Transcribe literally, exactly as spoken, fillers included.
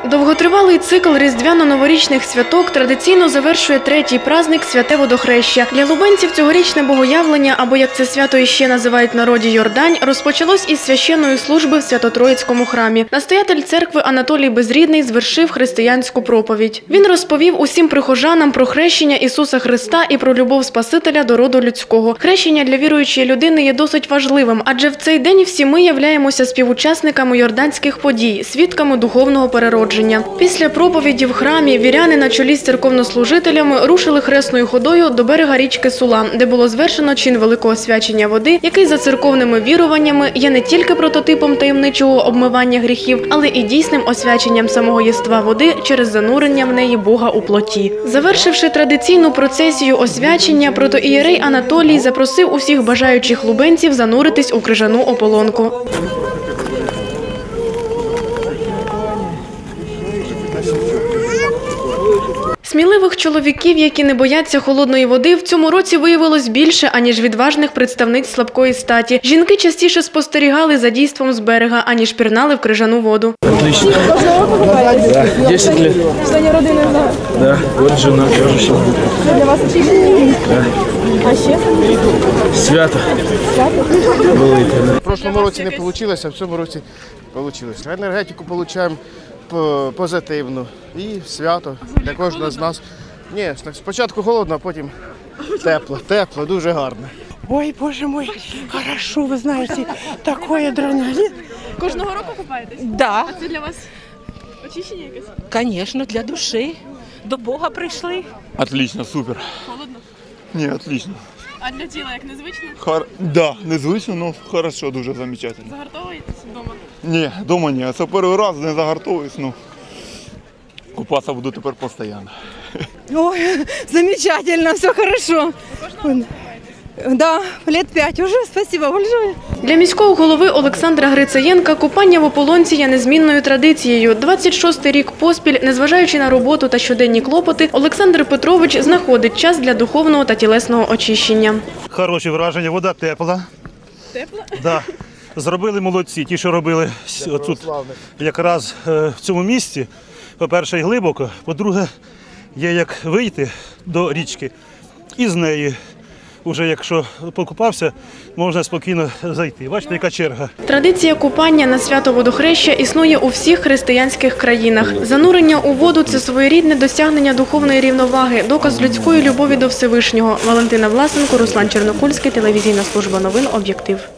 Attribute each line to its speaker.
Speaker 1: Довготривалий цикл різдвяно-новорічних святок традиційно завершує третій праздник – Святе Водохреща. Для лубенців цьогорічне богоявлення, або як це свято іще називають в народі Йордань, розпочалось із священної служби в Свято-Троїцькому храмі. Настоятель церкви Анатолій Безрідний звершив християнську проповідь. Він розповів усім прихожанам про хрещення Ісуса Христа і про любов Спасителя до роду людського. Хрещення для віруючої людини є досить важливим, адже в цей день всі ми являємося співучасниками йорданських подій, свідками духовного переродження. Після проповіді в храмі віряни на чолі з церковнослужителями рушили хресною ходою до берега річки Сула, де було звершено чин великого освячення води, який за церковними віруваннями є не тільки прототипом таємничого обмивання гріхів, але і дійсним освяченням самого єства води через занурення в неї Бога у плоті. Завершивши традиційну процесію освячення, протоієрей Анатолій запросив усіх бажаючих лубенців зануритись у крижану ополонку. Сміливих чоловіків, які не бояться холодної води, в цьому році виявилось більше, аніж відважних представниць слабкої статі. Жінки частіше спостерігали за дійством з берега, аніж пірнали в крижану воду.
Speaker 2: Отлично. Да, десять лет.
Speaker 3: Члені родини знаю?
Speaker 2: Да, вот жена тоже сейчас будет.
Speaker 3: Це для вас очікування?
Speaker 2: Да.
Speaker 3: А ще?
Speaker 2: Свято.
Speaker 4: В прошлому році не вийшло, а в цьому році вийшло. Енергетику отримуємо позитивну і свято для кожного з нас. Ні, спочатку холодно, а потім тепло, тепло, дуже гарно.
Speaker 5: Ой, боже мой, хорошо, ви знаєте, такой адреналин.
Speaker 3: Кожного року купаєтесь?
Speaker 5: Да,
Speaker 3: А це для вас очищення якесь?
Speaker 5: конечно, для душі. До Бога прийшли.
Speaker 6: Отлично, супер.
Speaker 3: Холодно?
Speaker 6: Ні, отлично.
Speaker 3: А для тіла як незвично?
Speaker 6: Хор... Да, незвично, але хорошо, дуже замечательно.
Speaker 3: Загартовуєтесь вдома?
Speaker 6: Ні, дома ні. Це перший раз не загартовуюсь, ну купатися буду тепер постійно.
Speaker 7: Ой, замечательно, все хорошо. Да, лет пять уже, спасибо большое.
Speaker 1: Для міського голови Олександра Грицаєнка купання в ополонці є незмінною традицією. двадцять шостий рік поспіль, незважаючи на роботу та щоденні клопоти, Олександр Петрович знаходить час для духовного та тілесного очищення.
Speaker 8: Хороші враження, вода тепла.
Speaker 3: Тепла?
Speaker 8: Да. Зробили молодці, ті, що робили тут якраз в цьому місці. По-перше, і глибоко, по-друге, є як вийти до річки і з неї. Уже якщо покупався, можна спокійно зайти. Бачите, яка черга.
Speaker 1: Традиція купання на свято Водохреща існує у всіх християнських країнах. Занурення у воду – це своєрідне досягнення духовної рівноваги, доказ людської любові до Всевишнього. Валентина Власенко, Руслан Чернокульський, телевізійна служба новин «Об'єктив».